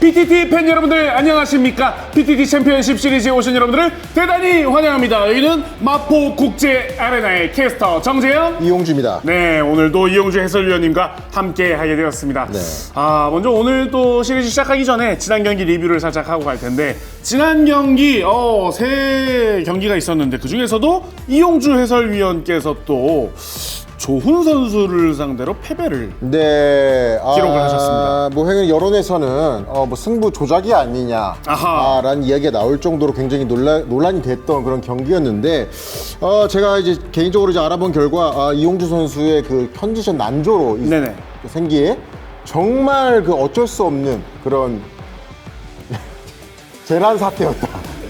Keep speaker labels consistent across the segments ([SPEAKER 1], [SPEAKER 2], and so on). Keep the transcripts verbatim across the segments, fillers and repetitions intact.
[SPEAKER 1] 피티티 팬 여러분들 안녕하십니까? 피티티 챔피언십 시리즈에 오신 여러분들을 대단히 환영합니다. 여기는 마포국제 아레나의 캐스터 정재영,
[SPEAKER 2] 이용주입니다.
[SPEAKER 1] 네, 오늘도 이용주 해설위원님과 함께 하게 되었습니다.
[SPEAKER 2] 네.
[SPEAKER 1] 아, 먼저 오늘 또 시리즈 시작하기 전에 지난 경기 리뷰를 살짝 하고 갈 텐데, 지난 경기 어, 세 경기가 있었는데 그 중에서도 이용주 해설위원께서 또 조훈 선수를 상대로 패배를
[SPEAKER 2] 네,
[SPEAKER 1] 기록을
[SPEAKER 2] 아,
[SPEAKER 1] 하셨습니다.
[SPEAKER 2] 뭐 행은 여론에서는 어, 뭐 승부 조작이 아니냐라는
[SPEAKER 1] 아하.
[SPEAKER 2] 이야기가 나올 정도로 굉장히 논란, 논란이 됐던 그런 경기였는데, 어, 제가 이제 개인적으로 이제 알아본 결과 아, 이용주 선수의 그 컨디션 난조로 이-
[SPEAKER 1] 네네.
[SPEAKER 2] 생기에 정말 그 어쩔 수 없는 그런 재난 사태였다.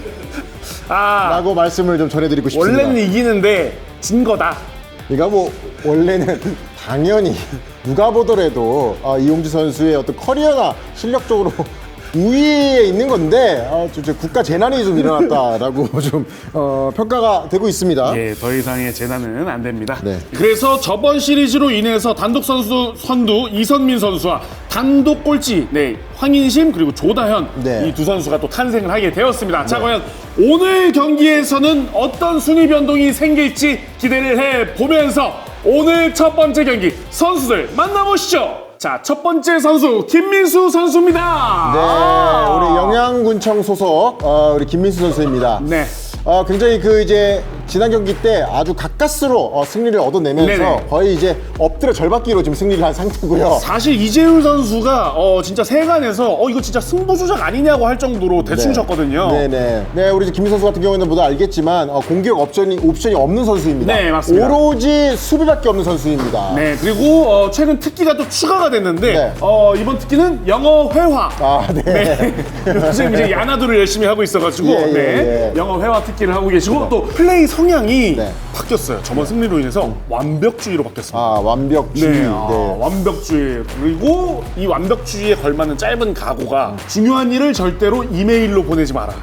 [SPEAKER 1] 아,
[SPEAKER 2] 라고 말씀을 좀 전해드리고 싶습니다.
[SPEAKER 1] 원래는 이기는데 진 거다.
[SPEAKER 2] 그러니까 뭐 원래는 당연히 누가 보더라도 아, 이용주 선수의 어떤 커리어나 실력적으로 우위에 있는 건데 아, 좀, 좀 국가 재난이 좀 일어났다라고 좀 어, 평가가 되고 있습니다.
[SPEAKER 1] 예, 더 이상의 재난은 안 됩니다.
[SPEAKER 2] 네.
[SPEAKER 1] 그래서 저번 시리즈로 인해서 단독 선수 선두 이선민 선수와 단독 꼴찌 네, 황인심 그리고 조다현
[SPEAKER 2] 네.
[SPEAKER 1] 이 두 선수가 또 탄생을 하게 되었습니다. 자, 과연 오늘 경기에서는 어떤 순위 변동이 생길지 기대를 해 보면서 오늘 첫 번째 경기 선수들 만나보시죠. 자, 첫 번째 선수 김민수 선수입니다.
[SPEAKER 2] 네,
[SPEAKER 1] 아.
[SPEAKER 2] 우리 영양군청 소속 어, 우리 김민수 선수입니다.
[SPEAKER 1] 네.
[SPEAKER 2] 어, 굉장히 그 이제 지난 경기 때 아주 가까스로 어, 승리를 얻어내면서
[SPEAKER 1] 네네.
[SPEAKER 2] 거의 이제 엎드려 절받기로 지금 승리를 한 상태고요.
[SPEAKER 1] 사실 이재율 선수가 어 진짜 세간에서 어 이거 진짜 승부 조작 아니냐고 할 정도로 대충
[SPEAKER 2] 네.
[SPEAKER 1] 쳤거든요.
[SPEAKER 2] 네네. 네, 우리 김민 선수 같은 경우에는 모두 알겠지만 어, 공격 옵션이 옵션이 없는 선수입니다.
[SPEAKER 1] 네, 맞습니다.
[SPEAKER 2] 오로지 수비밖에 없는 선수입니다.
[SPEAKER 1] 네, 그리고 어, 최근 특기가 또 추가가 됐는데
[SPEAKER 2] 네.
[SPEAKER 1] 어, 이번 특기는 영어 회화.
[SPEAKER 2] 아, 네.
[SPEAKER 1] 네. 요즘 이제 야나도를 열심히 하고 있어가지고
[SPEAKER 2] 예, 예,
[SPEAKER 1] 네.
[SPEAKER 2] 예.
[SPEAKER 1] 영어 회화 특기를 하고 계시고 또 플레이 성향이
[SPEAKER 2] 네.
[SPEAKER 1] 바뀌었어요. 저번 승리로 인해서 완벽주의로 바뀌었습니다.
[SPEAKER 2] 아, 완벽주의.
[SPEAKER 1] 네,
[SPEAKER 2] 네.
[SPEAKER 1] 아, 완벽주의. 그리고 이 완벽주의에 걸맞는 짧은 각오가 중요한 일을 절대로 이메일로 보내지 마라.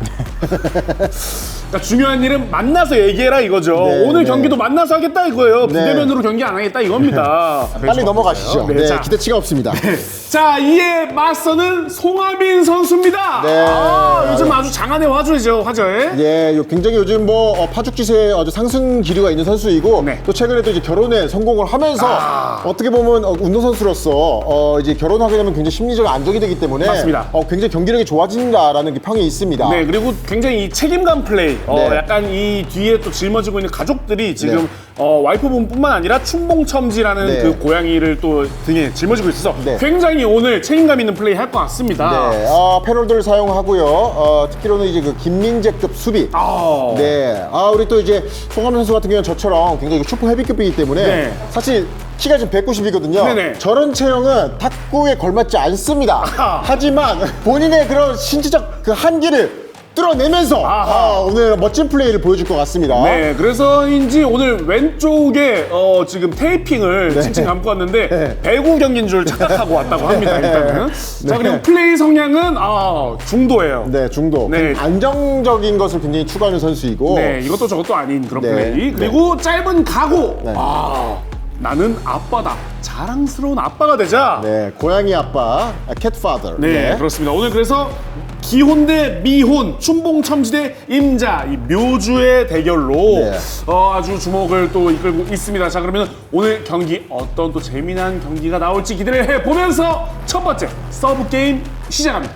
[SPEAKER 1] 그러니까 중요한 일은 만나서 얘기해라 이거죠.
[SPEAKER 2] 네,
[SPEAKER 1] 오늘
[SPEAKER 2] 네.
[SPEAKER 1] 경기도 만나서 하겠다 이거예요.
[SPEAKER 2] 네.
[SPEAKER 1] 비대면으로 경기 안 하겠다 이겁니다.
[SPEAKER 2] 빨리 넘어가시죠.
[SPEAKER 1] 네,
[SPEAKER 2] 네,
[SPEAKER 1] 자,
[SPEAKER 2] 기대치가 없습니다.
[SPEAKER 1] 자, 이에 맞서는 송하빈 선수입니다.
[SPEAKER 2] 네.
[SPEAKER 1] 아, 요즘 아주 장안의 화제죠, 화제.
[SPEAKER 2] 예, 요- 굉장히 요즘 뭐 어, 파죽지세에 아주 상승 기류가 있는 선수이고
[SPEAKER 1] 네.
[SPEAKER 2] 또 최근에 또 이제 결혼에 성공을 하면서
[SPEAKER 1] 아.
[SPEAKER 2] 어떻게 보면 어, 운동선수로서 어, 이제 결혼하게 되면 굉장히 심리적으로 안정이 되기 때문에
[SPEAKER 1] 맞습니다.
[SPEAKER 2] 어, 굉장히 경기력이 좋아진다라는 그 평이 있습니다.
[SPEAKER 1] 네, 그리고 굉장히 이 책임감 플레이. 어,
[SPEAKER 2] 네.
[SPEAKER 1] 약간 이 뒤에 또 짊어지고 있는 가족들이 지금
[SPEAKER 2] 네.
[SPEAKER 1] 어, 와이프분뿐만 아니라 춘봉첨지라는
[SPEAKER 2] 네.
[SPEAKER 1] 그 고양이를 또 등에 짊어지고 있어서
[SPEAKER 2] 네.
[SPEAKER 1] 굉장히 오늘 책임감 있는 플레이 할 것 같습니다.
[SPEAKER 2] 네, 어, 패널들을 사용하고요. 어, 특히로는 이제 그 김민재급 수비.
[SPEAKER 1] 아,
[SPEAKER 2] 네, 아 우리 또 이제 송하빈 선수 같은 경우는 저처럼 굉장히 슈퍼 헤비급이기 때문에
[SPEAKER 1] 네.
[SPEAKER 2] 사실 키가 지금 백구십이거든요.
[SPEAKER 1] 네네.
[SPEAKER 2] 저런 체형은 탁구에 걸맞지 않습니다.
[SPEAKER 1] 아하.
[SPEAKER 2] 하지만 본인의 그런 신체적 그 한계를 뚫어내면서
[SPEAKER 1] 아하.
[SPEAKER 2] 아, 오늘 멋진 플레이를 보여줄 것 같습니다.
[SPEAKER 1] 네, 그래서인지 오늘 왼쪽에 어, 지금 테이핑을 칭칭 감고 왔는데
[SPEAKER 2] 네.
[SPEAKER 1] 배구 경기인 줄 착각하고 왔다고 합니다. 일단은. 자, 그리고 플레이 성향은 아, 중도예요.
[SPEAKER 2] 네, 중도.
[SPEAKER 1] 네.
[SPEAKER 2] 안정적인 것을 굉장히 추구하는 선수이고.
[SPEAKER 1] 네, 이것도 저것도 아닌 그런
[SPEAKER 2] 네.
[SPEAKER 1] 플레이. 그리고 짧은 각오.
[SPEAKER 2] 네.
[SPEAKER 1] 아, 나는 아빠다. 자랑스러운 아빠가 되자. 네,
[SPEAKER 2] 네, 고양이 아빠, 캣파더.
[SPEAKER 1] 그렇습니다. 오늘 그래서 기혼 대 미혼, 춘봉첨지 대 임자, 이 묘주의 대결로
[SPEAKER 2] 네.
[SPEAKER 1] 어, 아주 주목을 또 이끌고 있습니다. 자, 그러면 오늘 경기 어떤 또 재미난 경기가 나올지 기대를 해보면서 첫 번째 서브 게임 시작합니다.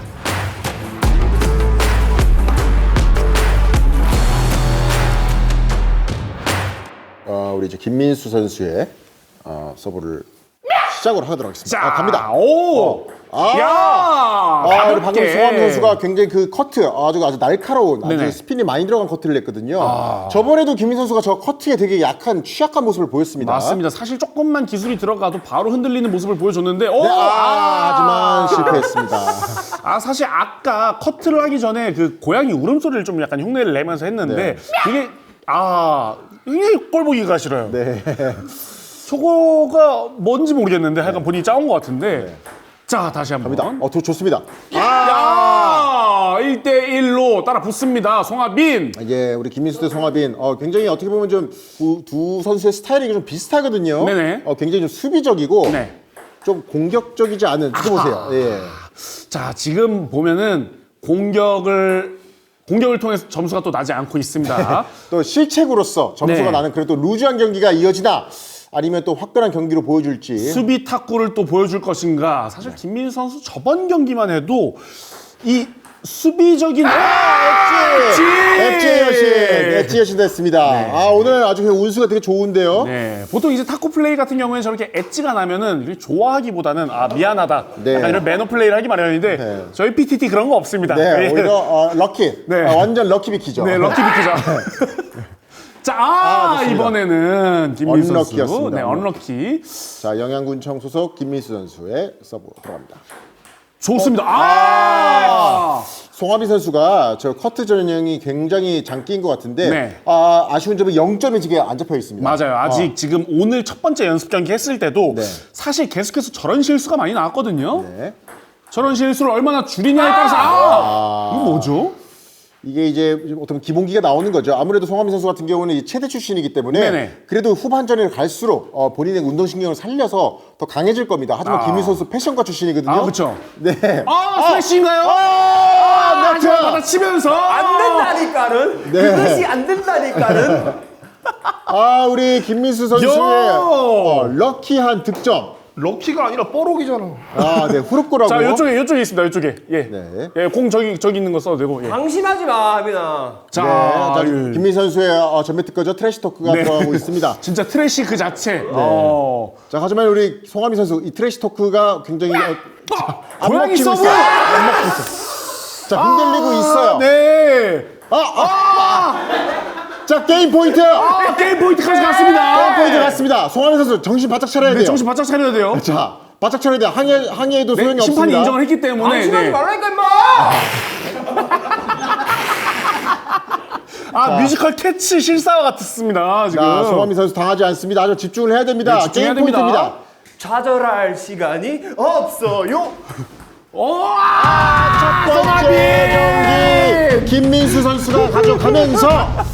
[SPEAKER 2] 어, 우리 이제 김민수 선수의 어, 서브를 시작으로 하도록 하겠습니다.
[SPEAKER 1] 자,
[SPEAKER 2] 아, 갑니다.
[SPEAKER 1] 오!
[SPEAKER 2] 아!
[SPEAKER 1] 야!
[SPEAKER 2] 아, 우리 방금
[SPEAKER 1] 가볍게.
[SPEAKER 2] 송하빈 선수가 굉장히 그 커트 아주 아주 날카로운
[SPEAKER 1] 네네.
[SPEAKER 2] 아주 스핀이 많이 들어간 커트를 냈거든요. 저번에도 김민 선수가 저 커트에 되게 약한 취약한 모습을 보였습니다.
[SPEAKER 1] 맞습니다. 사실 조금만 기술이 들어가도 바로 흔들리는 모습을 보여줬는데, 오!
[SPEAKER 2] 네, 아, 하지만 실패했습니다.
[SPEAKER 1] 아, 사실 아까 커트를 하기 전에 그 고양이 울음소리를 좀 약간 흉내를 내면서 했는데,
[SPEAKER 2] 네.
[SPEAKER 1] 그게, 아, 굉장히 꼴 보기가 싫어요.
[SPEAKER 2] 네.
[SPEAKER 1] 저거가 뭔지 모르겠는데, 하여간 본인이 짜온 것 같은데. 자, 다시 한 번.
[SPEAKER 2] 갑니다. 어, 도, 좋습니다.
[SPEAKER 1] 야! 일 대 일로 따라 붙습니다. 송하빈.
[SPEAKER 2] 이게 우리 김민수 대 송하빈 어, 굉장히 어떻게 보면 좀 두 선수의 스타일이 좀 비슷하거든요.
[SPEAKER 1] 네네.
[SPEAKER 2] 어, 굉장히 좀 수비적이고
[SPEAKER 1] 네.
[SPEAKER 2] 좀 공격적이지 않은 이거 보세요. 예.
[SPEAKER 1] 자, 지금 보면은 공격을 공격을 통해서 점수가 또 나지 않고 있습니다.
[SPEAKER 2] 또 실책으로서 점수가
[SPEAKER 1] 네.
[SPEAKER 2] 나는 그래도 루즈한 경기가 이어지나 아니면 또 화끈한 경기로 보여줄지.
[SPEAKER 1] 수비 탁구를 또 보여줄 것인가. 사실 김민수 선수 저번 경기만 해도 이 수비적인
[SPEAKER 2] 엣지! 엣지 여신! 엣지 여신 됐습니다.
[SPEAKER 1] 네.
[SPEAKER 2] 아, 오늘 아주 그냥 운수가 되게 좋은데요.
[SPEAKER 1] 네, 보통 이제 탁구 플레이 같은 경우에는 저렇게 엣지가 나면은 이렇게 좋아하기보다는 아 미안하다,
[SPEAKER 2] 네.
[SPEAKER 1] 약간 이런 매너 플레이를 하기 마련인데
[SPEAKER 2] 네.
[SPEAKER 1] 저희 피티티 그런 거 없습니다.
[SPEAKER 2] 네,
[SPEAKER 1] 예.
[SPEAKER 2] 오히려 어, 럭키.
[SPEAKER 1] 네.
[SPEAKER 2] 아, 완전 럭키 비키죠.
[SPEAKER 1] 네, 럭키 비키자. 자, 아,
[SPEAKER 2] 아, 좋습니다.
[SPEAKER 1] 이번에는 김민수 선수,
[SPEAKER 2] 언럭키였습니다.
[SPEAKER 1] 네, 언럭키.
[SPEAKER 2] 자, 영양군청 소속 김민수 선수의 서브 들어갑니다.
[SPEAKER 1] 좋습니다. 아,
[SPEAKER 2] 송하빈 선수가 저 커트 전형이 굉장히 장기인 것 같은데
[SPEAKER 1] 네.
[SPEAKER 2] 아, 아쉬운 점은 영 점이 지금 안 잡혀 있습니다.
[SPEAKER 1] 맞아요. 아직 지금 오늘 첫 번째 연습 경기 했을 때도
[SPEAKER 2] 네.
[SPEAKER 1] 사실 계속해서 저런 실수가 많이 나왔거든요.
[SPEAKER 2] 네.
[SPEAKER 1] 저런 실수를 얼마나 줄이냐에 따라서 아, 이거 뭐죠?
[SPEAKER 2] 이게 이제 어떤 기본기가 나오는 거죠. 아무래도 송하빈 선수 같은 경우는 이 체대 출신이기 때문에
[SPEAKER 1] 네네.
[SPEAKER 2] 그래도 후반전에 갈수록 어, 본인의 운동신경을 살려서 더 강해질 겁니다. 하지만
[SPEAKER 1] 아.
[SPEAKER 2] 김민수 선수 패션과 출신이거든요.
[SPEAKER 1] 아, 그렇죠.
[SPEAKER 2] 네.
[SPEAKER 1] 아, 스매시인가요?
[SPEAKER 2] 아, 네트!
[SPEAKER 1] 받아치면서
[SPEAKER 3] 안 된다니까는
[SPEAKER 2] 네.
[SPEAKER 3] 그것이 안 된다니까는
[SPEAKER 2] 아, 우리 김민수 선수의
[SPEAKER 1] 요!
[SPEAKER 2] 어, 럭키한 득점.
[SPEAKER 3] 럭키가 아니라 뽀록이잖아.
[SPEAKER 2] 아, 네, 후루꾸라고.
[SPEAKER 1] 자, 이쪽에 이쪽에 있습니다. 이쪽에. 예.
[SPEAKER 2] 네.
[SPEAKER 1] 예, 공 저기 저기 있는 거 써도 되고. 예.
[SPEAKER 3] 방심하지 마, 하빈아.
[SPEAKER 1] 자,
[SPEAKER 2] 네, 자,
[SPEAKER 1] 아유,
[SPEAKER 2] 김민수 선수의 어, 전매 특허죠. 트래시 토크가
[SPEAKER 1] 네.
[SPEAKER 2] 들어가고 있습니다.
[SPEAKER 1] 진짜 트래시 그 자체. 어.
[SPEAKER 2] 자, 하지만 우리 송하빈 선수 이 트래시 토크가 굉장히 어, 안
[SPEAKER 1] 고양이
[SPEAKER 2] 먹히고
[SPEAKER 1] 서브!
[SPEAKER 2] 있어요. 안 먹히고 있어요. 자, 흔들리고 있어요.
[SPEAKER 1] 네.
[SPEAKER 2] 아, 아. 자, 게임 포인트.
[SPEAKER 1] 아, 게임 포인트까지
[SPEAKER 2] 게임
[SPEAKER 1] 갔습니다.
[SPEAKER 2] 포인트 갔습니다. 송하빈 선수 정신 바짝 차려야
[SPEAKER 1] 네,
[SPEAKER 2] 돼요.
[SPEAKER 1] 정신 바짝 차려야 돼요.
[SPEAKER 2] 자, 바짝 차려야 돼요. 항해, 항해에도 소용이
[SPEAKER 1] 네, 심판이
[SPEAKER 2] 없습니다.
[SPEAKER 1] 인정을 했기 때문에.
[SPEAKER 3] 방심하지
[SPEAKER 1] 네.
[SPEAKER 3] 말라니까 임마.
[SPEAKER 1] 아, 뮤지컬 캐치 실사와 같았습니다. 지금.
[SPEAKER 2] 자, 송하빈 선수 당하지 않습니다. 아주 집중을 해야 됩니다.
[SPEAKER 1] 네, 집중해야
[SPEAKER 2] 게임
[SPEAKER 1] 됩니다.
[SPEAKER 2] 포인트입니다.
[SPEAKER 3] 좌절할 시간이 없어요.
[SPEAKER 1] 오, 아,
[SPEAKER 2] 첫 번째 경기 김민수 선수가 가져가면서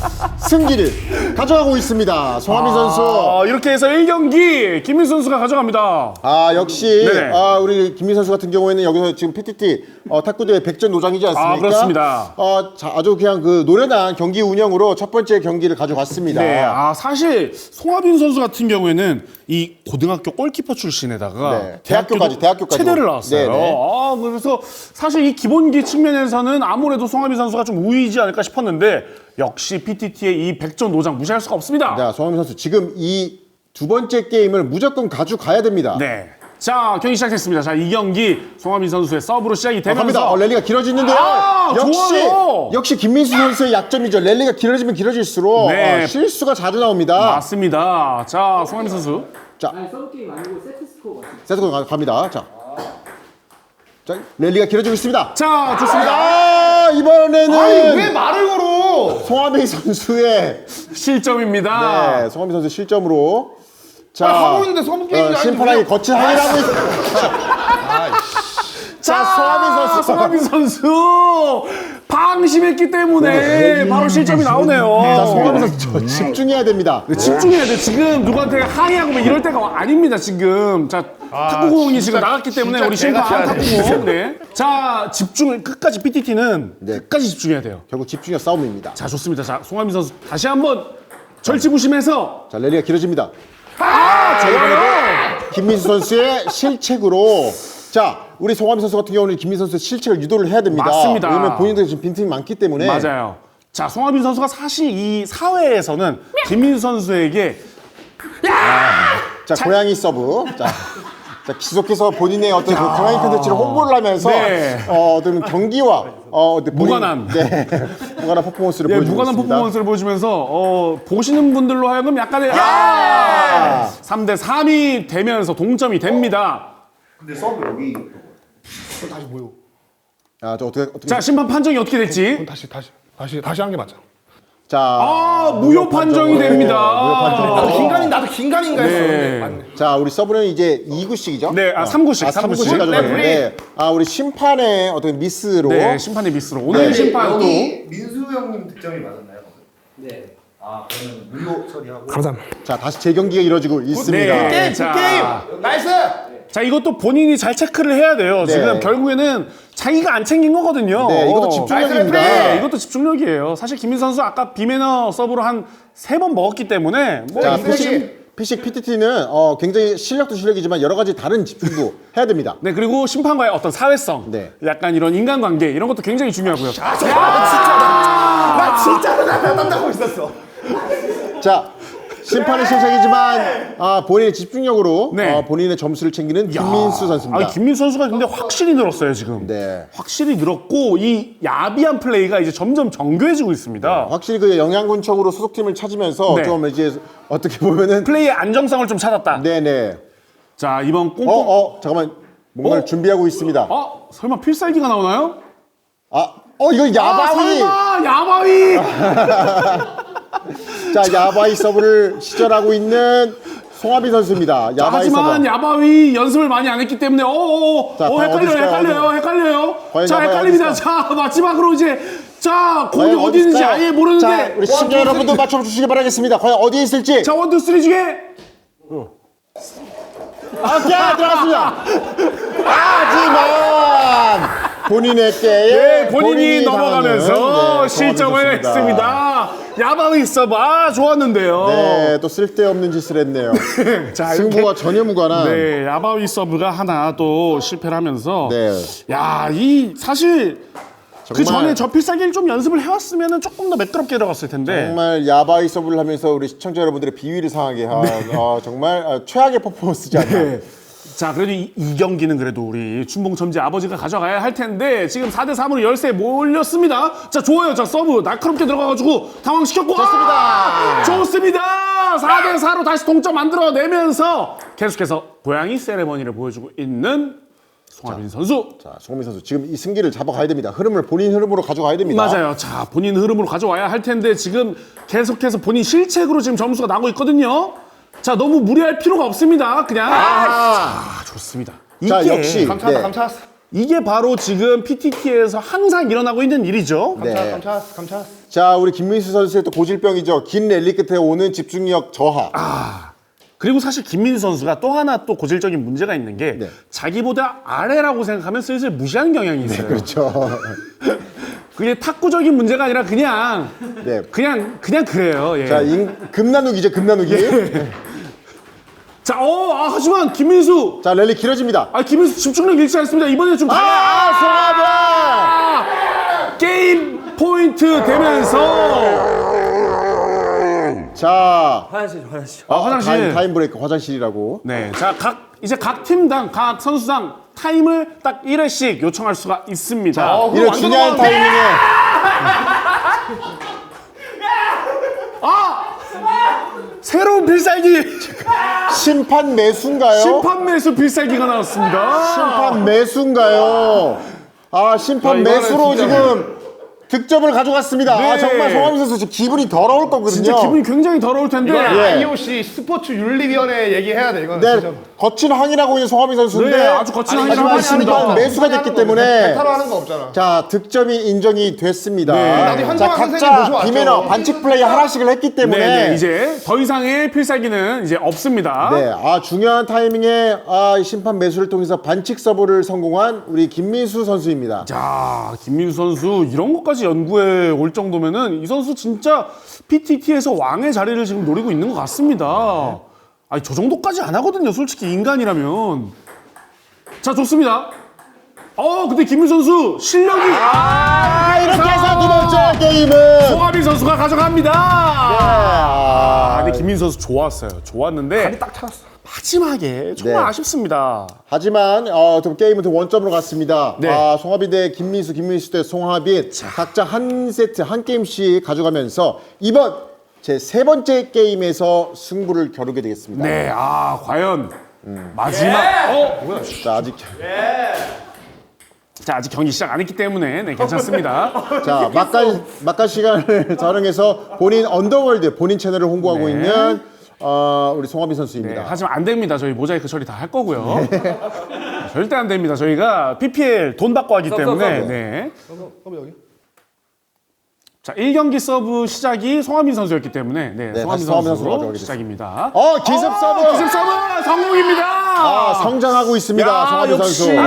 [SPEAKER 2] 승기를 가져가고 있습니다. 송하빈 선수.
[SPEAKER 1] 어, 이렇게 해서 일 경기 김민수 선수가 가져갑니다.
[SPEAKER 2] 아, 역시
[SPEAKER 1] 네네.
[SPEAKER 2] 아, 우리 김민수 선수 같은 경우에는 여기서 지금 피티티 어, 탁구대회 백전 노장이지 않습니까?
[SPEAKER 1] 아, 그렇습니다.
[SPEAKER 2] 어, 자, 아주 그냥 그 노련한 경기 운영으로 첫 번째 경기를 가져갔습니다.
[SPEAKER 1] 네, 아 사실 송하빈 선수 같은 경우에는 이 고등학교 골키퍼 출신에다가
[SPEAKER 2] 네, 대학교까지,
[SPEAKER 1] 대학교도
[SPEAKER 2] 대학교까지.
[SPEAKER 1] 체대를 나왔어요.
[SPEAKER 2] 네네.
[SPEAKER 1] 아, 그래서 사실 이 기본기 측면에서는 아무래도 송하빈 선수가 좀 우위이지 않을까 싶었는데 역시 피티티의 이 백전 노장 무시할 수가 없습니다.
[SPEAKER 2] 자, 송하빈 선수 지금 이 두 번째 게임을 무조건 가져가야 됩니다.
[SPEAKER 1] 네. 자, 경기 시작했습니다. 자, 이 경기 송하빈 선수의 서브로 시작이
[SPEAKER 2] 아,
[SPEAKER 1] 되면서
[SPEAKER 2] 갑니다. 어, 랠리가 길어지는데요.
[SPEAKER 1] 아,
[SPEAKER 2] 역시
[SPEAKER 1] 좋아요.
[SPEAKER 2] 역시 김민수 선수의 약점이죠. 랠리가 길어지면 길어질수록
[SPEAKER 1] 네.
[SPEAKER 2] 어, 실수가 자주 나옵니다.
[SPEAKER 1] 맞습니다. 자, 송하빈 선수.
[SPEAKER 2] 자,
[SPEAKER 4] 아니 서브 게임 아니고 세트 스코어 같은.
[SPEAKER 2] 세트로 가- 갑니다. 자, 자, 랠리가 길어지고 있습니다.
[SPEAKER 1] 자, 좋습니다.
[SPEAKER 2] 아, 이번에는
[SPEAKER 3] 아니 왜 말을 걸어?
[SPEAKER 2] 송하빈 선수의
[SPEAKER 1] 실점입니다.
[SPEAKER 2] 네, 송하빈 선수 실점으로 자,
[SPEAKER 3] 아, 하고 있는데 서브 게임이 아닌데
[SPEAKER 2] 심판에게
[SPEAKER 3] 왜-
[SPEAKER 2] 거친 항의를 하고 있습니다. 자, 송하빈 선수.
[SPEAKER 1] 송하빈 선수 방심했기 때문에 바로 실점이 나오네요.
[SPEAKER 2] 자, 송하빈 선수 저 집중해야 됩니다.
[SPEAKER 1] 네, 집중해야 돼. 지금 누구한테 항의하고 뭐 이럴 때가 아닙니다. 지금 자 탁구공이 지금 나갔기 때문에
[SPEAKER 3] 진짜
[SPEAKER 1] 우리
[SPEAKER 3] 개가
[SPEAKER 1] 심판
[SPEAKER 3] 쳐야 돼.
[SPEAKER 1] 탁구공. 네. 자 집중을 끝까지 피티티는
[SPEAKER 2] 네.
[SPEAKER 1] 끝까지 집중해야 돼요.
[SPEAKER 2] 결국 집중력 싸움입니다.
[SPEAKER 1] 자 좋습니다. 자 송하빈 선수 다시 한번 절치부심해서
[SPEAKER 2] 자, 랠리가 길어집니다.
[SPEAKER 1] 아 좋아요.
[SPEAKER 2] 김민수 선수의 실책으로 자, 우리 송하빈 선수 같은 경우는 김민수 선수의 실책을 유도를 해야 됩니다.
[SPEAKER 1] 맞습니다.
[SPEAKER 2] 왜냐면 본인도 지금 빈틈이 많기 때문에
[SPEAKER 1] 맞아요. 자 송하빈 선수가 사실 이 사회에서는 김민수 선수에게
[SPEAKER 2] 자, 고양이 서브. 자, 자, 계속해서 본인의 어떤 그 고양이 컨텐츠를 홍보를 하면서
[SPEAKER 1] 네.
[SPEAKER 2] 어, 어떤 경기와 어, 어떤 본인-
[SPEAKER 1] 무관한.
[SPEAKER 2] 네, 무관한 퍼포먼스를
[SPEAKER 1] 예,
[SPEAKER 2] 보여주고
[SPEAKER 1] 무관한
[SPEAKER 2] 있습니다.
[SPEAKER 1] 퍼포먼스를 보여주면서 어, 보시는 분들로 하여금 약간의 아! 삼 대 삼이 되면서 동점이 됩니다.
[SPEAKER 3] 다시 모여.
[SPEAKER 2] 아, 저 어떻게 어떻게
[SPEAKER 1] 자 심판 판정이 어떻게 될지
[SPEAKER 5] 다시 다시 다시 다시 한 게 맞죠.
[SPEAKER 2] 자,
[SPEAKER 1] 아 무효 판정이 됩니다.
[SPEAKER 2] 무효 판정.
[SPEAKER 3] 나도 긴가민 나도 긴가민가 했어.
[SPEAKER 1] 네.
[SPEAKER 3] 맞네.
[SPEAKER 2] 자, 우리 서브는 이제 이 구씩이죠?
[SPEAKER 1] 네, 아, 삼 구씩,
[SPEAKER 2] 아,
[SPEAKER 1] 삼
[SPEAKER 2] 삼 구씩
[SPEAKER 1] 구씩.
[SPEAKER 2] 가져가는데 아, 우리 심판의 어떤 미스로
[SPEAKER 1] 네 심판의 미스로 오늘
[SPEAKER 2] 네.
[SPEAKER 1] 심판 또
[SPEAKER 6] 민수 형님 득점이 맞았나요?
[SPEAKER 4] 네.
[SPEAKER 6] 아 그러면 무효 처리하고
[SPEAKER 5] 감사합니다.
[SPEAKER 2] 자, 다시 재경기가 이루어지고 있습니다.
[SPEAKER 1] 네.
[SPEAKER 3] 게임
[SPEAKER 1] 자.
[SPEAKER 3] 게임. 나이스.
[SPEAKER 1] 자, 이것도 본인이 잘 체크를 해야 돼요.
[SPEAKER 2] 네.
[SPEAKER 1] 지금 결국에는 자기가 안 챙긴 거거든요.
[SPEAKER 2] 네, 이것도
[SPEAKER 1] 어.
[SPEAKER 2] 집중력입니다.
[SPEAKER 1] 네, 이것도 집중력이에요. 사실 김민수 선수 아까 비매너 서브로 한 세 번 먹었기 때문에 뭐
[SPEAKER 2] 자,
[SPEAKER 1] 이것이-
[SPEAKER 2] 피식, 피식 피티티는 어, 굉장히 실력도 실력이지만 여러 가지 다른 집중도 해야 됩니다.
[SPEAKER 1] 네, 그리고 심판과의 어떤 사회성,
[SPEAKER 2] 네.
[SPEAKER 1] 약간 이런 인간관계 이런 것도 굉장히 중요하고요.
[SPEAKER 3] 나 진짜로 나 땀나고 있었어.
[SPEAKER 2] 자, 심판의 실책이지만 아, 본인의 집중력으로
[SPEAKER 1] 네.
[SPEAKER 2] 어, 본인의 점수를 챙기는 김민수 선수입니다.
[SPEAKER 1] 아, 김민수 선수가 근데 확실히 늘었어요 지금.
[SPEAKER 2] 네.
[SPEAKER 1] 확실히 늘었고 이 야비한 플레이가 이제 점점 정교해지고 있습니다.
[SPEAKER 2] 확실히 그 영양군청으로 소속팀을 찾으면서
[SPEAKER 1] 네.
[SPEAKER 2] 좀 이제 어떻게 보면은
[SPEAKER 1] 플레이의 안정성을 좀 찾았다.
[SPEAKER 2] 네네.
[SPEAKER 1] 자, 이번 꽁꽁.
[SPEAKER 2] 어, 어, 잠깐만. 뭔가를
[SPEAKER 1] 어?
[SPEAKER 2] 준비하고 있습니다.
[SPEAKER 1] 어? 설마 필살기가 나오나요?
[SPEAKER 2] 아, 어, 이거
[SPEAKER 1] 아,
[SPEAKER 2] 야바위.
[SPEAKER 1] 설마 야바위.
[SPEAKER 2] 자, 야바위 서브를 시전하고 있는 송하빈 선수입니다.
[SPEAKER 1] 자,
[SPEAKER 2] 야바위
[SPEAKER 1] 하지만
[SPEAKER 2] 서브.
[SPEAKER 1] 야바위 연습을 많이 안 했기 때문에 어어어
[SPEAKER 2] 자,
[SPEAKER 1] 어,
[SPEAKER 2] 과연
[SPEAKER 1] 헷갈려요
[SPEAKER 2] 어디 있을까요?
[SPEAKER 1] 헷갈려요
[SPEAKER 2] 어디?
[SPEAKER 1] 헷갈려요.
[SPEAKER 2] 과연
[SPEAKER 1] 자,
[SPEAKER 2] 야바위
[SPEAKER 1] 헷갈립니다.
[SPEAKER 2] 어디 있을까요?
[SPEAKER 1] 자, 마지막으로 이제 자, 거기
[SPEAKER 2] 과연
[SPEAKER 1] 어디 있는지
[SPEAKER 2] 있을까요?
[SPEAKER 1] 아예 모르는데.
[SPEAKER 2] 자, 우리 시청자 여러분도 맞춰주시기 바라겠습니다. 과연 어디에 있을지.
[SPEAKER 1] 자, 원투 쓰리 중에
[SPEAKER 2] 오케이, 들어갔습니다. 하지만 본인의 게임
[SPEAKER 1] 네, 본인이 넘어가면서
[SPEAKER 2] 네,
[SPEAKER 1] 실점을
[SPEAKER 2] 도와주셨습니다.
[SPEAKER 1] 했습니다. 야바위 서브 아 좋았는데요.
[SPEAKER 2] 네, 또 쓸데없는 짓을 했네요.
[SPEAKER 1] 자,
[SPEAKER 2] 승부와 전혀 무관한.
[SPEAKER 1] 네, 야바위 서브가 하나 또 실패를 하면서
[SPEAKER 2] 네.
[SPEAKER 1] 야, 이 사실 그
[SPEAKER 2] 정말-
[SPEAKER 1] 전에 저 필살기를 좀 연습을 해왔으면 조금 더 매끄럽게 들어갔을 텐데.
[SPEAKER 2] 정말 야바이 서브를 하면서 우리 시청자 여러분들의 비위를 상하게 한 어, 정말 어, 최악의 퍼포먼스지 않나.
[SPEAKER 1] 네. 자, 그래도 이, 이 경기는 그래도 우리 춘봉첨지 아버지가 가져가야 할 텐데 지금 사 대 삼으로 열세에 몰렸습니다. 자, 좋아요. 자, 서브 날카롭게 들어가가지고 당황시켰고
[SPEAKER 2] 좋습니다.
[SPEAKER 1] 아! 좋습니다. 사 대 사로 다시 동점 만들어내면서 계속해서 고양이 세레머니를 보여주고 있는 송하빈 선수.
[SPEAKER 2] 자, 송민 선수 지금 이 승기를 잡아가야 됩니다. 흐름을 본인 흐름으로 가져가야 됩니다.
[SPEAKER 1] 맞아요. 자, 본인 흐름으로 가져와야 할 텐데 지금 계속해서 본인 실책으로 지금 점수가 나고 있거든요. 자, 너무 무리할 필요가 없습니다. 그냥 아, 좋습니다.
[SPEAKER 2] 자,
[SPEAKER 1] 이게
[SPEAKER 2] 역시
[SPEAKER 3] 감차왔다
[SPEAKER 2] 네.
[SPEAKER 3] 감차왔어.
[SPEAKER 1] 이게 바로 지금 피티티에서 항상 일어나고 있는 일이죠.
[SPEAKER 2] 네.
[SPEAKER 3] 감차왔어 감차왔어.
[SPEAKER 2] 자, 우리 김민수 선수의 또 고질병이죠. 긴 랠리 끝에 오는 집중력 저하.
[SPEAKER 1] 그리고 사실 김민수 선수가 또 하나 또 고질적인 문제가 있는 게
[SPEAKER 2] 네.
[SPEAKER 1] 자기보다 아래라고 생각하면 슬슬 무시하는 경향이 있어요.
[SPEAKER 2] 그렇죠.
[SPEAKER 1] 그게 탁구적인 문제가 아니라 그냥
[SPEAKER 2] 네.
[SPEAKER 1] 그냥 그냥 그래요. 예.
[SPEAKER 2] 자, 인, 금나누기죠, 금나누기.
[SPEAKER 1] 자, 어, 아, 하지만 김민수,
[SPEAKER 2] 자, 랠리 길어집니다.
[SPEAKER 1] 아, 김민수 집중력 잃지 않습니다. 이번에 좀
[SPEAKER 2] 아, 아, 송하빈!
[SPEAKER 1] 아, 게임 포인트 되면서
[SPEAKER 2] 자,
[SPEAKER 4] 화장실 화장실.
[SPEAKER 1] 아, 화장실.
[SPEAKER 2] 타임, 타임 브레이크 화장실이라고.
[SPEAKER 1] 네, 자, 각 이제 각 팀당 각 선수당 타임을 딱 일 회씩 요청할 수가 있습니다.
[SPEAKER 3] 어,
[SPEAKER 2] 이런
[SPEAKER 3] 완전
[SPEAKER 2] 중요한
[SPEAKER 3] 넘어가는데?
[SPEAKER 2] 타이밍에
[SPEAKER 1] 새로운 필살기
[SPEAKER 2] 심판 매수인가요?
[SPEAKER 1] 심판 매수 필살기가 나왔습니다.
[SPEAKER 2] 심판 매수인가요? 아, 심판
[SPEAKER 3] 야, 이거는
[SPEAKER 2] 매수로
[SPEAKER 3] 진짜-
[SPEAKER 2] 지금 득점을 가져갔습니다.
[SPEAKER 1] 네.
[SPEAKER 2] 아, 정말 송하빈 선수 지금 기분이 더러울 거거든요.
[SPEAKER 1] 진짜 기분이 굉장히 더러울 텐데.
[SPEAKER 3] 이건
[SPEAKER 2] 예.
[SPEAKER 3] 아이오씨 스포츠 윤리위원회 얘기해야 돼 이거는
[SPEAKER 2] 네,
[SPEAKER 3] 진짜.
[SPEAKER 2] 거친 항의라고 있는 송하빈 선수인데
[SPEAKER 1] 네, 아주 거친
[SPEAKER 3] 아니,
[SPEAKER 1] 항의라고
[SPEAKER 2] 하지만
[SPEAKER 1] 했습니다.
[SPEAKER 2] 심판 매수가 됐기 때문에
[SPEAKER 3] 배타로 하는 거 없잖아.
[SPEAKER 2] 자, 득점이 인정이 됐습니다.
[SPEAKER 1] 네.
[SPEAKER 3] 나도
[SPEAKER 2] 자,
[SPEAKER 3] 현장한 선생님
[SPEAKER 2] 각자
[SPEAKER 3] 모셔왔죠.
[SPEAKER 2] 비매너 반칙 플레이 하나씩을 했기 때문에
[SPEAKER 1] 네, 네, 이제 더 이상의 필살기는 이제 없습니다.
[SPEAKER 2] 네, 아, 중요한 타이밍에 아, 이 심판 매수를 통해서 반칙 서브를 성공한 우리 김민수 선수입니다.
[SPEAKER 1] 자, 김민수 선수 이런 것까지 연구해 올 정도면은 이 선수 진짜 피티티에서 왕의 자리를 지금 노리고 있는 것 같습니다. 아니, 저 정도까지 안 하거든요, 솔직히 인간이라면. 자, 좋습니다. 어, 근데 김민수 선수 실력이
[SPEAKER 2] 아, 이렇게 해서 두 번째 게임은
[SPEAKER 1] 송하빈 선수가 가져갑니다. 아,
[SPEAKER 2] 아,
[SPEAKER 1] 근데 김민수 선수 좋았어요. 좋았는데
[SPEAKER 3] 딱 찾았어.
[SPEAKER 1] 마지막에 정말
[SPEAKER 2] 네.
[SPEAKER 1] 아쉽습니다.
[SPEAKER 2] 하지만 어, 또 게임은 또 원점으로 갔습니다.
[SPEAKER 1] 네.
[SPEAKER 2] 아, 송하빈 대 김민수, 김민수 대 송하빈 각자 한 세트 한 게임씩 가져가면서 이번 제 세 번째 게임에서 승부를 겨루게 되겠습니다.
[SPEAKER 1] 네, 아, 과연 마지막 어, 뭐야?
[SPEAKER 2] 자, 아직
[SPEAKER 1] 자, 아직 경기 시작 안 했기 때문에 네, 괜찮습니다.
[SPEAKER 2] 자, 막간 막간 시간을 활용해서 본인 언더월드 본인 채널을 홍보하고
[SPEAKER 1] 네.
[SPEAKER 2] 있는 어, 우리 송하빈
[SPEAKER 1] 네,
[SPEAKER 2] 선수입니다.
[SPEAKER 1] 하지만 안 됩니다. 저희 모자이크 처리 다 할 거고요. 절대 안 됩니다. 저희가 피피엘 돈 받고 하기 때문에. 네.
[SPEAKER 3] 서브 여기.
[SPEAKER 1] 자, 일 경기 서브 시작이 송하빈 선수였기 때문에 네,
[SPEAKER 2] 네,
[SPEAKER 1] 송하빈
[SPEAKER 2] 다시 송하빈 선수로
[SPEAKER 1] 선수로
[SPEAKER 2] 가져가겠습니다.
[SPEAKER 1] 시작입니다.
[SPEAKER 2] 어, 기습 서브!
[SPEAKER 1] 기습 서브 성공입니다.
[SPEAKER 2] 아, 성장하고 있습니다.
[SPEAKER 1] 야,
[SPEAKER 2] 송하빈
[SPEAKER 1] 역시.
[SPEAKER 2] 선수.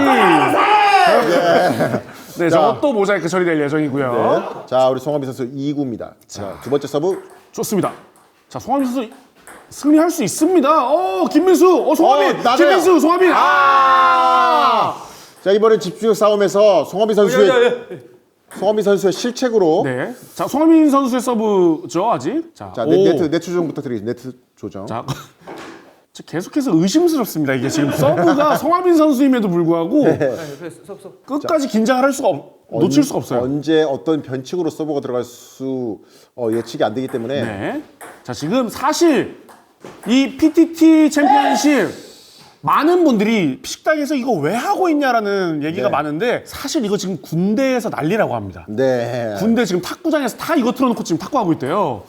[SPEAKER 1] 네, 저거 또 모자이크 처리될 예정이고요.
[SPEAKER 2] 네. 자, 우리 송하빈 선수 이 구입니다. 자, 두 번째 서브.
[SPEAKER 1] 좋습니다. 자, 송하빈 선수 승리할 수 있습니다. 어, 김민수, 어, 송하빈,
[SPEAKER 2] 어, 낮아요.
[SPEAKER 1] 김민수, 송하빈. 아!
[SPEAKER 2] 자, 이번엔 집중력 싸움에서 송하빈 선수의 송하빈 선수의 실책으로
[SPEAKER 1] 네. 자, 송하빈 선수의 서브죠, 아직. 자,
[SPEAKER 2] 자,
[SPEAKER 1] 오.
[SPEAKER 2] 네, 네트 네트 조정부터 드리겠습니다. 네트 조정.
[SPEAKER 1] 자, 저 계속해서 의심스럽습니다. 이게 지금 서브가 송하빈 선수임에도 불구하고 끝까지 긴장을 할 수가 없, 놓칠 수가 없어요.
[SPEAKER 2] 언제 어떤 변칙으로 서브가 들어갈 수 어, 예측이 안 되기 때문에
[SPEAKER 1] 네. 자, 지금 사실 이 피티티 챔피언십 많은 분들이 식당에서 이거 왜 하고 있냐라는 얘기가
[SPEAKER 2] 네.
[SPEAKER 1] 많은데 사실 이거 지금 군대에서 난리라고 합니다.
[SPEAKER 2] 네.
[SPEAKER 1] 군대 지금 탁구장에서 다 이거 틀어놓고 지금 탁구하고 있대요.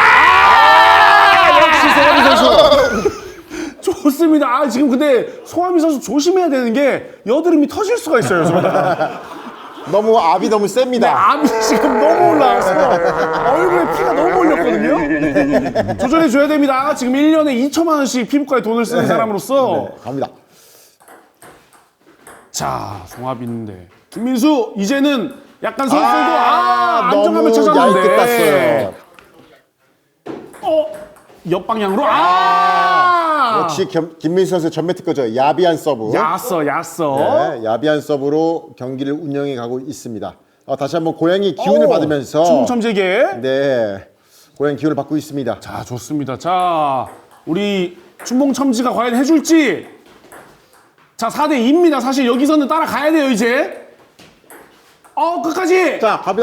[SPEAKER 1] 아! 역시 송하빈 선수. 좋습니다. 아, 지금 근데 송하빈 선수 조심해야 되는 게 여드름이 터질 수가 있어요.
[SPEAKER 2] 너무 압이 너무
[SPEAKER 1] 네,
[SPEAKER 2] 셉니다.
[SPEAKER 1] 암이 지금 너무 올라와서 얼굴에 피가 너무 올렸거든요. 조절해줘야 됩니다. 지금 일 년에 이천만 원씩 피부과에 돈을 쓰는 사람으로서.
[SPEAKER 2] 네, 갑니다.
[SPEAKER 1] 자, 송하빈인데 김민수 이제는 약간 선수도 아,
[SPEAKER 2] 아,
[SPEAKER 1] 안정감을
[SPEAKER 2] 너무
[SPEAKER 1] 찾았는데.
[SPEAKER 2] 얇게 땄어요.
[SPEAKER 1] 어, 옆방향으로 아,
[SPEAKER 2] 역시 겸, 김민수 선수의 전매 특허죠. 야비한 서브.
[SPEAKER 1] 야써 야써.
[SPEAKER 2] 네, 야비한 서브로 경기를 운영해 가고 있습니다. 어, 다시 한번 고양이 기운을
[SPEAKER 1] 오,
[SPEAKER 2] 받으면서
[SPEAKER 1] 춘봉첨제계.
[SPEAKER 2] 네, 고양이 기운을 받고 있습니다.
[SPEAKER 1] 자, 좋습니다. 자, 우리 춘봉첨지가 과연 해줄지. 자, 사 대 이입니다. 사실 여기서는 따라가야 돼요, 이제. 어, 끝까지.
[SPEAKER 2] 자, 갑니다.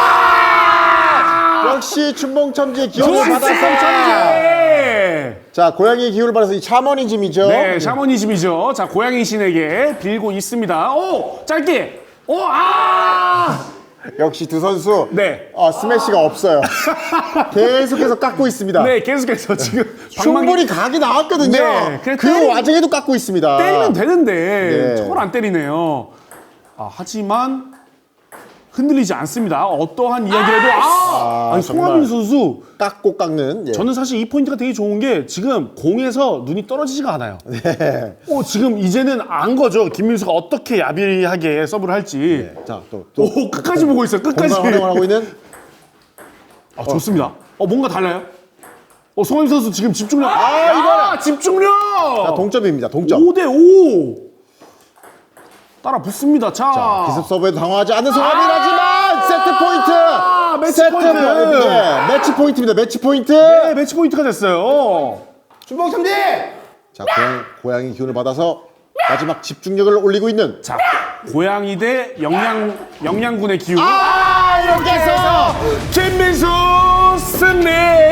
[SPEAKER 2] 아! 역시 춘봉첨지의 기운을 받았어.
[SPEAKER 1] 춘봉첨제.
[SPEAKER 2] 자, 고양이 기운을 받아서 이 샤머니즘이죠.
[SPEAKER 1] 네, 샤머니즘이죠. 자, 고양이 신에게 빌고 있습니다. 오, 짧게. 오, 아!
[SPEAKER 2] 역시 두 선수
[SPEAKER 1] 네.
[SPEAKER 2] 어, 스매시가 없어요. 계속해서 깎고 있습니다.
[SPEAKER 1] 네, 계속해서 지금
[SPEAKER 2] 충분히 각이 나왔거든요.
[SPEAKER 1] 네, 그냥
[SPEAKER 2] 그
[SPEAKER 1] 때리-
[SPEAKER 2] 와중에도 깎고 있습니다.
[SPEAKER 1] 때리면 되는데
[SPEAKER 2] 네.
[SPEAKER 1] 저걸 안 때리네요. 아, 하지만 흔들리지 않습니다. 어떠한 이야기라도 아, 아니,
[SPEAKER 2] 정말.
[SPEAKER 1] 송하빈 선수
[SPEAKER 2] 깎고 깎는. 예.
[SPEAKER 1] 저는 사실 이 포인트가 되게 좋은 게 지금 공에서 눈이 떨어지지가 않아요.
[SPEAKER 2] 네.
[SPEAKER 1] 어, 지금 이제는 안 거죠. 김민수가 어떻게 야비하게 서브를 할지.
[SPEAKER 2] 자, 또, 또
[SPEAKER 1] 오, 끝까지 보고 있어요. 끝까지.
[SPEAKER 2] 공간 활용을 하고 있는
[SPEAKER 1] 아, 좋습니다. 어, 뭔가 달라요? 어, 송하빈 선수 지금 집중력.
[SPEAKER 2] 아, 이거라.
[SPEAKER 1] 집중력.
[SPEAKER 2] 자, 동점입니다. 동점.
[SPEAKER 1] 오 대 오. 따라 붙습니다. 자.
[SPEAKER 2] 자, 기습 서브에도 당황하지 않는
[SPEAKER 1] 아!
[SPEAKER 2] 송하빈이라지만 세트 포인트.
[SPEAKER 1] 매치
[SPEAKER 2] 세트
[SPEAKER 1] 포인트.
[SPEAKER 2] 네, 매치 포인트입니다. 매치 포인트.
[SPEAKER 1] 네, 매치 포인트가 됐어요.
[SPEAKER 3] 춘봉첨지!
[SPEAKER 2] 자, 고양, 고양이 기운을 받아서 마지막 집중력을 올리고 있는.
[SPEAKER 1] 자, 고양이 대 영양 영양군의 기운.
[SPEAKER 2] 아, 이렇게 해서
[SPEAKER 1] 김민수 승리.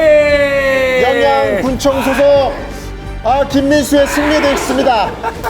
[SPEAKER 2] 영양군청 소속 아, 김민수의 승리되었습니다.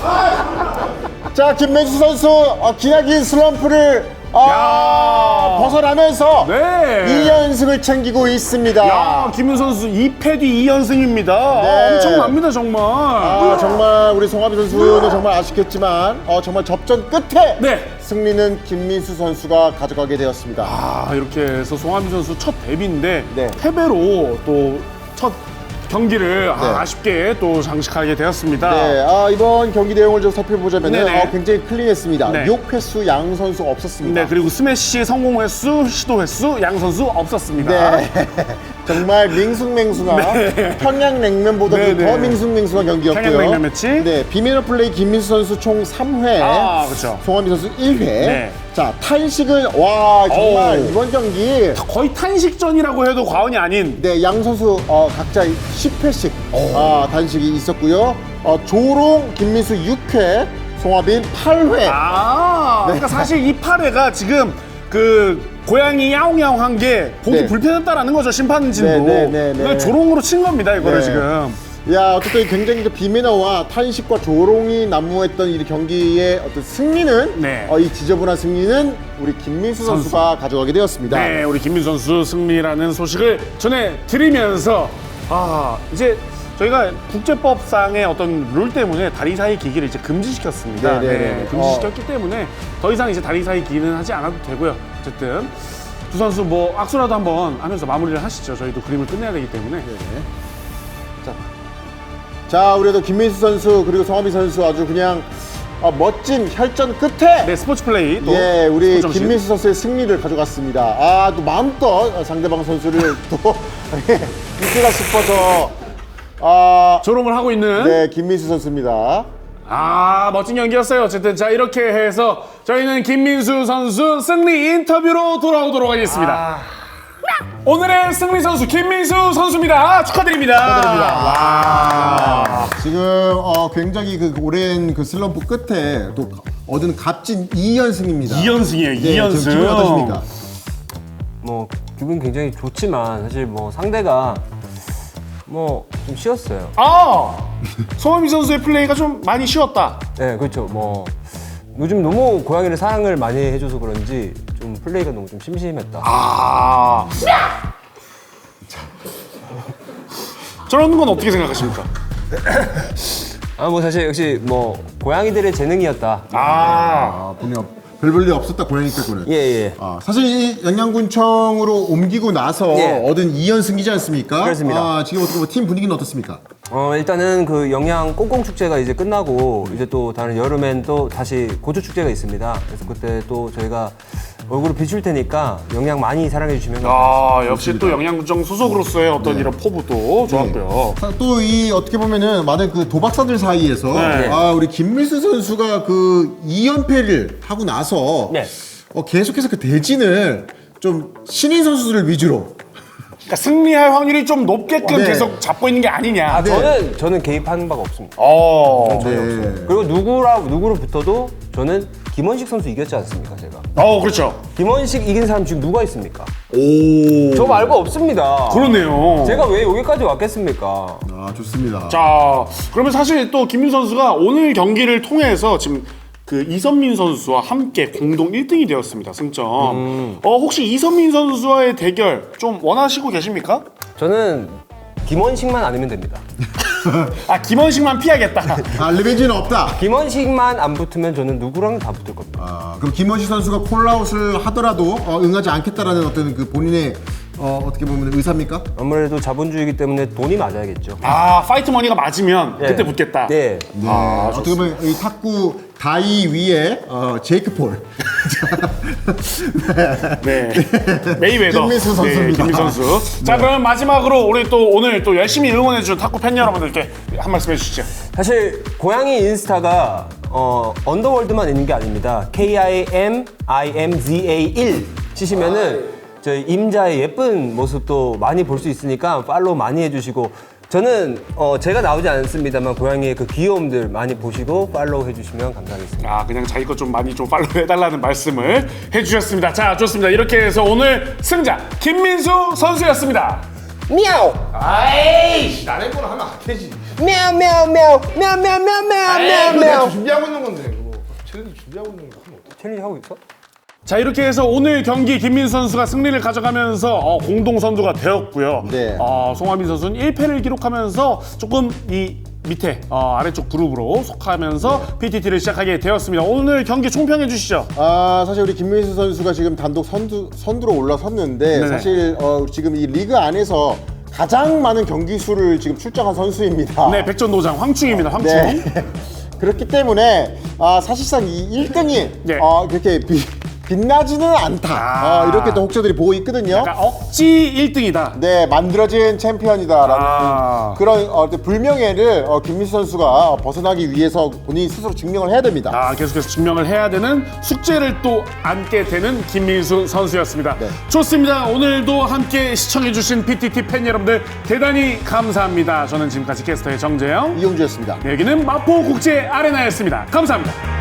[SPEAKER 2] 자, 김민수 선수 어, 기나긴 슬럼프를 아, 벗어나면서
[SPEAKER 1] 네.
[SPEAKER 2] 이 연승을 챙기고 있습니다.
[SPEAKER 1] 야, 김민수 선수 이 패 뒤 이 연승입니다.
[SPEAKER 2] 네.
[SPEAKER 1] 엄청납니다, 정말.
[SPEAKER 2] 아, 정말 우리 송하빈 선수는 정말 아쉽겠지만 어, 정말 접전 끝에
[SPEAKER 1] 네.
[SPEAKER 2] 승리는 김민수 선수가 가져가게 되었습니다.
[SPEAKER 1] 아, 이렇게 해서 송하빈 선수 첫 데뷔인데
[SPEAKER 2] 네.
[SPEAKER 1] 패배로 또 첫 경기를 아,
[SPEAKER 2] 네.
[SPEAKER 1] 아쉽게 또 장식하게 되었습니다.
[SPEAKER 2] 네, 아, 이번 경기 내용을 좀 살펴보자면
[SPEAKER 1] 네네.
[SPEAKER 2] 어, 굉장히 클린했습니다.
[SPEAKER 1] 네.
[SPEAKER 2] 육 횟수 양 선수 없었습니다.
[SPEAKER 1] 네, 그리고 스매시 성공 횟수, 시도 횟수, 양 선수 없었습니다.
[SPEAKER 2] 네. 정말 밍숭맹숭한 평양냉면보다도
[SPEAKER 1] 네, 네.
[SPEAKER 2] 더 밍숭맹숭한 경기였고요.
[SPEAKER 1] 평양냉면 매치.
[SPEAKER 2] 네, 비밀 플레이 김민수 선수 총 삼 회,
[SPEAKER 1] 아, 그렇죠.
[SPEAKER 2] 송하빈 선수 일 회.
[SPEAKER 1] 네.
[SPEAKER 2] 자, 탄식은 와 정말
[SPEAKER 1] 오.
[SPEAKER 2] 이번 경기
[SPEAKER 1] 거의 탄식전이라고 해도 과언이 아닌.
[SPEAKER 2] 네, 양 선수 어, 각자 십 회씩 아, 단식이 있었고요. 어, 조롱 김민수 육 회, 송하빈 팔 회.
[SPEAKER 1] 아, 그러니까 사실 이 팔 회가 지금 그 고양이 야옹야옹한 게 보기
[SPEAKER 2] 네.
[SPEAKER 1] 불편했다라는 거죠, 심판진도.
[SPEAKER 2] 네, 네, 네, 네.
[SPEAKER 1] 그러니까 조롱으로 친 겁니다, 이거를
[SPEAKER 2] 네.
[SPEAKER 1] 지금.
[SPEAKER 2] 야, 어쨌든 굉장히 그 비매너와 탄식과 조롱이 난무했던 이 경기의 어떤 승리는
[SPEAKER 1] 네.
[SPEAKER 2] 어, 이 지저분한 승리는 우리 김민수
[SPEAKER 1] 선수.
[SPEAKER 2] 선수가 가져가게 되었습니다.
[SPEAKER 1] 네, 우리 김민수 선수 승리라는 소식을 전해드리면서 아, 이제 저희가 국제법상의 어떤 룰 때문에 다리 사이 기기를 이제 금지시켰습니다.
[SPEAKER 2] 네, 네, 네.
[SPEAKER 1] 금지시켰기 때문에 더 이상 이제 다리 사이 기기는 하지 않아도 되고요. 어쨌든 두 선수 뭐 악수라도 한번 하면서 마무리를 하시죠. 저희도 그림을 끝내야 되기 때문에.
[SPEAKER 2] 자, 자, 우리도 김민수 선수 그리고 성화민 선수 아주 그냥 어, 멋진 혈전 끝에
[SPEAKER 1] 네, 스포츠 플레이 또
[SPEAKER 2] 예, 우리
[SPEAKER 1] 스포츠 정신.
[SPEAKER 2] 김민수 선수의 승리를 가져갔습니다. 아, 또 마음껏 상대방 선수를 또 이기가 싶어서 아,
[SPEAKER 1] 조롱을 하고 있는
[SPEAKER 2] 네, 김민수 선수입니다.
[SPEAKER 1] 아, 멋진 경기였어요. 어쨌든 자, 이렇게 해서 저희는 김민수 선수 승리 인터뷰로 돌아오도록 하겠습니다. 오늘의 승리 선수 김민수 선수입니다. 축하드립니다. 축하드립니다. 와.
[SPEAKER 2] 지금 어, 굉장히 그 오랜 그 슬럼프 끝에 또 얻은 값진 이 연승입니다.
[SPEAKER 1] 이 연승이에요.
[SPEAKER 2] 네,
[SPEAKER 1] 이 연승.
[SPEAKER 2] 기분 어떠십니까?
[SPEAKER 4] 뭐 기분 굉장히 좋지만 사실 뭐 상대가 뭐 좀 쉬웠어요.
[SPEAKER 1] 아, 송하민 선수의 플레이가 좀 많이 쉬웠다.
[SPEAKER 4] 네, 그렇죠. 뭐 요즘 너무 고양이를 사랑을 많이 해줘서 그런지 좀 플레이가 너무 좀 심심했다.
[SPEAKER 1] 아. 저런 건 어떻게 생각하십니까?
[SPEAKER 4] 아, 뭐 사실 역시 뭐 고양이들의 재능이었다.
[SPEAKER 1] 아,
[SPEAKER 2] 아, 분명 별볼일 없었다 고양이 빼고는.
[SPEAKER 4] 예, 예.
[SPEAKER 2] 아, 사실 이 영양군청으로 옮기고 나서
[SPEAKER 4] 예.
[SPEAKER 2] 얻은 이 연승이지 않습니까?
[SPEAKER 4] 그렇습니다.
[SPEAKER 2] 아, 지금 어떻게 보면 팀 분위기는 어떻습니까?
[SPEAKER 4] 어, 일단은 그 영양 꽁꽁 축제가 이제 끝나고 이제 또 다른 여름엔 또 다시 고조 축제가 있습니다. 그래서 그때 또 저희가 얼굴을 비출 테니까 영양 많이 사랑해 주시면 감사하겠습니다.
[SPEAKER 1] 아, 역시 또 영양구청 소속으로서의 어떤 이런 포부도 좋았고요.
[SPEAKER 2] 또 이 어떻게 보면은 많은 그 도박사들 사이에서
[SPEAKER 1] 네.
[SPEAKER 2] 아, 우리 김민수 선수가 그 이 연패를 하고 나서
[SPEAKER 4] 네.
[SPEAKER 2] 어, 계속해서 그 대진을 좀 신인 선수들 위주로
[SPEAKER 1] 그러니까 승리할 확률이 좀 높게끔
[SPEAKER 2] 네.
[SPEAKER 1] 계속 잡고 있는 게 아니냐.
[SPEAKER 4] 아, 저는 저는 개입하는 바가 없습니다.
[SPEAKER 1] 어.
[SPEAKER 2] 네.
[SPEAKER 4] 그리고 누구라 누구로 붙어도 저는 김원식 선수 이겼지 않습니까, 제가?
[SPEAKER 1] 어, 그렇죠.
[SPEAKER 4] 김원식 이긴 사람 지금 누가 있습니까?
[SPEAKER 1] 오.
[SPEAKER 4] 저 말고 없습니다.
[SPEAKER 1] 그러네요.
[SPEAKER 4] 제가 왜 여기까지 왔겠습니까?
[SPEAKER 2] 아, 좋습니다.
[SPEAKER 1] 자, 그러면 사실 또 김민 선수가 오늘 경기를 통해서 지금 그 이선민 선수와 함께 공동 일 등이 되었습니다. 승점. 어, 혹시 이선민 선수와의 대결 좀 원하시고 계십니까?
[SPEAKER 4] 저는 김원식만 아니면 됩니다.
[SPEAKER 1] 아, 김원식만 피하겠다.
[SPEAKER 2] 아, 리벤지는 없다.
[SPEAKER 4] 김원식만 안 붙으면 저는 누구랑 다 붙을 겁니다.
[SPEAKER 2] 아, 그럼 김원식 선수가 콜라웃을 하더라도 어, 응하지 않겠다라는 어떤 그 본인의 어, 어떻게 보면 의사입니까?
[SPEAKER 4] 아무래도 자본주의이기 때문에 돈이 맞아야겠죠.
[SPEAKER 1] 아, 파이트 머니가 맞으면
[SPEAKER 4] 네.
[SPEAKER 1] 그때 붙겠다.
[SPEAKER 4] 네.
[SPEAKER 2] 네. 어떻게 보면 이 탁구 다이 위에 어, 제이크 폴.
[SPEAKER 1] 네. 메이웨더.
[SPEAKER 2] 김민수 선수입니다.
[SPEAKER 1] 네, 김민수 선수. 자, 그럼 마지막으로 우리 또 오늘 또 열심히 응원해준 탁구 팬 여러분들께 한 말씀 해주시죠.
[SPEAKER 4] 사실 고양이 인스타가 어, 언더월드만 있는 게 아닙니다. 케이 아이 엠 아이 엠 지 에이 일 치시면은 저희 임자의 예쁜 모습도 많이 볼 수 있으니까 팔로우 많이 해주시고 저는 어, 제가 나오지 않습니다만 고양이의 그 귀여움들 많이 보시고 팔로우 해주시면 감사하겠습니다.
[SPEAKER 1] 아, 그냥 자기 것 좀 많이 좀 팔로우 해달라는 말씀을 해주셨습니다. 자, 좋습니다. 이렇게 해서 오늘 승자 김민수 선수였습니다.
[SPEAKER 4] 미야오!
[SPEAKER 3] 아이씨, 나의 거는 하면 안 되지.
[SPEAKER 4] 미야오 미야오 미야오 미야오 미야오 미야오 미야오 미야오
[SPEAKER 3] 내가
[SPEAKER 4] 미야오
[SPEAKER 3] 준비하고 있는 건데, 그거. 챌린지 준비하고 있는 거 하면 어떡해.
[SPEAKER 4] 챌린지 하고 있어?
[SPEAKER 1] 자, 이렇게 해서 오늘 경기 김민수 선수가 승리를 가져가면서 어, 공동 선두가 되었고요.
[SPEAKER 2] 네.
[SPEAKER 1] 어, 송하민 선수는 일 패를 기록하면서 조금 이 밑에 어, 아래쪽 그룹으로 속하면서 피티티를 시작하게 되었습니다. 오늘 경기 총평해 주시죠.
[SPEAKER 2] 아, 사실 우리 김민수 선수가 지금 단독 선두, 선두로 올라섰는데
[SPEAKER 1] 네네.
[SPEAKER 2] 사실 어, 지금 이 리그 안에서 가장 많은 경기 수를 지금 출장한 선수입니다.
[SPEAKER 1] 네, 백전노장 황충입니다. 황충.
[SPEAKER 2] 네. 그렇기 때문에 아, 사실상 이 일 등이
[SPEAKER 1] 네.
[SPEAKER 2] 어, 그렇게 비, 빛나지는 않다.
[SPEAKER 1] 아.
[SPEAKER 2] 어, 이렇게 또 혹자들이 보고 있거든요.
[SPEAKER 1] 그러니까 억지 일 등이다.
[SPEAKER 2] 네, 만들어진 챔피언이다라는
[SPEAKER 1] 아.
[SPEAKER 2] 그런 어, 불명예를 어, 김민수 선수가 벗어나기 위해서 본인이 스스로 증명을 해야 됩니다.
[SPEAKER 1] 아, 계속해서 증명을 해야 되는 숙제를 또 안게 되는 김민수 선수였습니다.
[SPEAKER 2] 네.
[SPEAKER 1] 좋습니다. 오늘도 함께 시청해주신 피티티 팬 여러분들 대단히 감사합니다. 저는 지금까지 캐스터의 정재영,
[SPEAKER 2] 이용주였습니다.
[SPEAKER 1] 여기는 마포국제 아레나였습니다. 감사합니다.